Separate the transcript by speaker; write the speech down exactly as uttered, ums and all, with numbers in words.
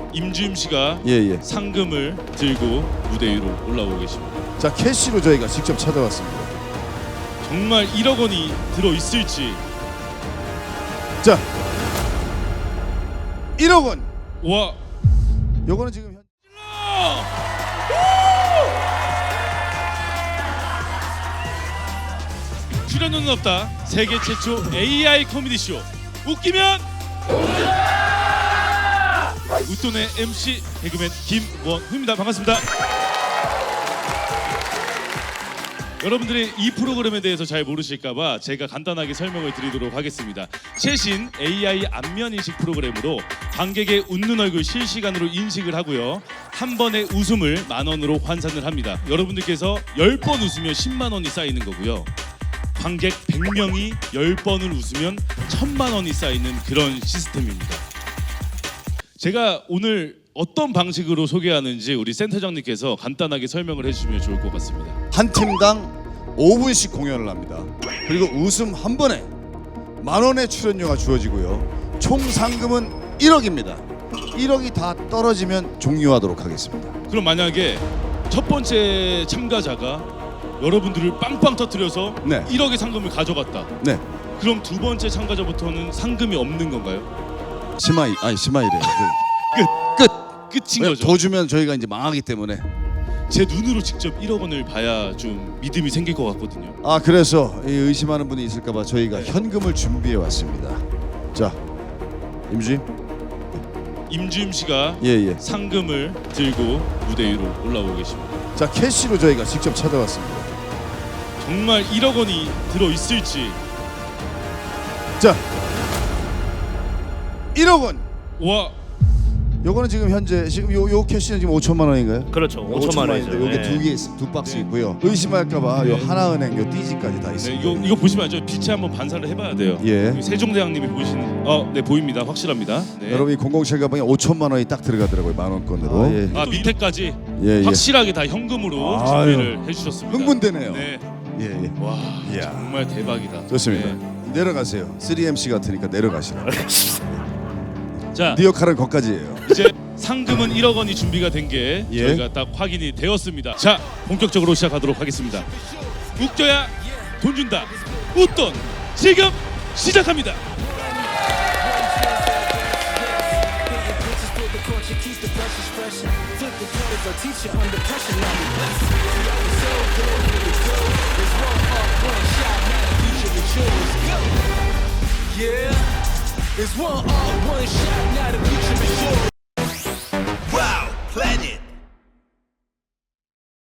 Speaker 1: 임주임 씨가
Speaker 2: 예, 예.
Speaker 1: 상금을 들고 무대 위로 올라오고 계십니다.
Speaker 2: 자, 캐시로 저희가 직접 찾아왔습니다.
Speaker 1: 정말 일억 원이 들어 있을지.
Speaker 2: 자, 일억 원.
Speaker 1: 와.
Speaker 2: 요거는 지금 현...
Speaker 1: 출연료는 없다. 세계 최초 에이아이 코미디 쇼. 웃기면 웃돈의 엠씨 개그맨 김원후입니다. 반갑습니다. 여러분들이 이 프로그램에 대해서 잘 모르실까봐 제가 간단하게 설명을 드리도록 하겠습니다. 최신 에이아이 안면인식 프로그램으로 관객의 웃는 얼굴 실시간으로 인식을 하고요. 한 번의 웃음을 만 원으로 환산을 합니다. 여러분들께서 열 번 웃으면 십만 원이 쌓이는 거고요. 관객 백 명이 열 번을 웃으면 천만 원이 쌓이는 그런 시스템입니다. 제가 오늘 어떤 방식으로 소개하는지 우리 센터장님께서 간단하게 설명을 해주시면 좋을 것 같습니다.
Speaker 2: 한 팀당 오 분씩 공연을 합니다. 그리고 웃음 한 번에 만 원의 출연료가 주어지고요. 총 상금은 일억입니다. 일억이 다 떨어지면 종료하도록 하겠습니다.
Speaker 1: 그럼 만약에 첫 번째 참가자가 여러분들을 빵빵 터뜨려서
Speaker 2: 네.
Speaker 1: 일억의 상금을 가져갔다.
Speaker 2: 네,
Speaker 1: 그럼 두 번째 참가자부터는 상금이 없는 건가요?
Speaker 2: 심하이 아니 심하이래요.
Speaker 1: 끝! 끝! 끝인 거죠.
Speaker 2: 더 주면 저희가 이제 망하기 때문에.
Speaker 1: 제 눈으로 직접 일억 원을 봐야 좀 믿음이 생길 것 같거든요.
Speaker 2: 아, 그래서 이 의심하는 분이 있을까봐 저희가 현금을 준비해 왔습니다. 자, 임주임.
Speaker 1: 임주임 씨가
Speaker 2: 예, 예.
Speaker 1: 상금을 들고 무대 위로 올라오고 계십니다.
Speaker 2: 자, 캐시로 저희가 직접 찾아왔습니다.
Speaker 1: 정말 일억 원이 들어 있을지.
Speaker 2: 자, 일억 원.
Speaker 1: 와.
Speaker 2: 요거는 지금 현재 지금 요, 요 캐시는 지금 오천만 원인가요?
Speaker 3: 그렇죠. 오천만 원이죠.
Speaker 2: 요게
Speaker 3: 네.
Speaker 2: 두 개, 두 박스
Speaker 1: 네.
Speaker 2: 있고요. 의심할까봐 요
Speaker 1: 네.
Speaker 2: 하나은행 요 띠지까지 다
Speaker 1: 네,
Speaker 2: 있습니다.
Speaker 1: 이거 이거 보시면 알죠. 빛에 한번 반사를 해봐야 돼요.
Speaker 2: 예.
Speaker 1: 세종대왕님이 보시는. 어, 네 보입니다. 확실합니다. 네.
Speaker 2: 여러분 이 공공칠 가방에 오천만 원이 딱 들어가더라고요. 만 원권으로.
Speaker 3: 아, 예.
Speaker 1: 아 밑에까지
Speaker 2: 예, 예.
Speaker 1: 확실하게 다 현금으로
Speaker 2: 아유.
Speaker 1: 준비를 해주셨습니다.
Speaker 2: 흥분되네요.
Speaker 1: 네.
Speaker 2: 예, 예.
Speaker 1: 와
Speaker 2: 이야.
Speaker 1: 정말 대박이다.
Speaker 2: 좋습니다.
Speaker 1: 네.
Speaker 2: 내려가세요. 쓰리 엠씨 같으니까 내려가시라.
Speaker 1: 자
Speaker 2: 네 역할은 거기까지예요.
Speaker 1: 이제 상금은 일억 원이 준비가 된 게
Speaker 2: 예.
Speaker 1: 저희가 딱 확인이 되었습니다. 자 본격적으로 시작하도록 하겠습니다. 웃겨야 돈 준다. 웃돈 지금 시작합니다.
Speaker 4: Yeah, there's one, uh, one shot, now the future is yours.